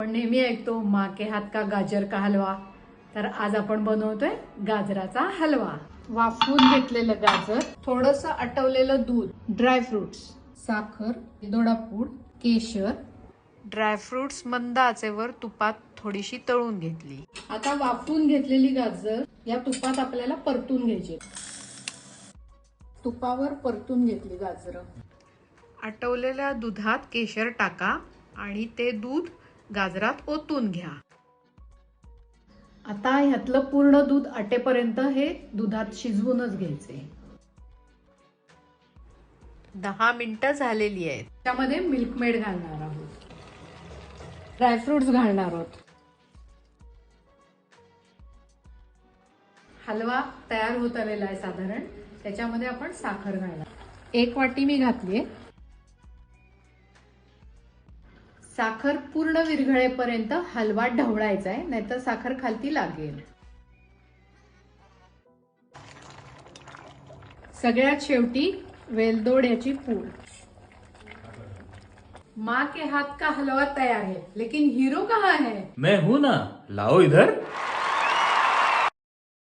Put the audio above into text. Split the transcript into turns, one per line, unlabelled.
आपण नेहमी ऐकतो माँ के हात का गाजर का हलवा, तर आज आपण बनवतोय गाजराचा हलवा। वाफवून घेतलेलं गाजर, थोडंसं आटवलेलं दूध, ड्रायफ्रुट्स, साखर, वेलदोडा पूड, केशर, ड्रायफ्रुट्स मंद आचेवर तुपात थोडीशी तळून घेतली। आता वाफवून घेतलेली गाजर या तुपात आपल्याला परतून घ्यायची। तुपावर परतून घेतली गाजर। आटवलेल्या दुधात केशर टाका आणि ते दूध गाजरात ओतून घ्या। आता ह्यातलं पूर्ण दूध आटेपर्यंत हे दुधात शिजवूनच घ्यायचे। 10 मिनिटं झालेली आहेत। त्यामध्ये मिल्क मेड घालणार आहोत, ड्रायफ्रुट्स घालणार आहोत। हलवा तयार होत आलेला आहे साधारण। त्याच्यामध्ये आपण साखर घालणार। 1 वाटी मी घातलीये। साखर पूर्ण विरघळेपर्यंत हलवा ढवळायचा आहे, नाहीतर साखर खालती लागेल। सगळ्यात शेवटी वेलदोड्याची पूड। माँ के हाथ का हलवा तैयार है, लेकिन हीरो कहाँ है?
मैं हूं ना, लाओ इधर।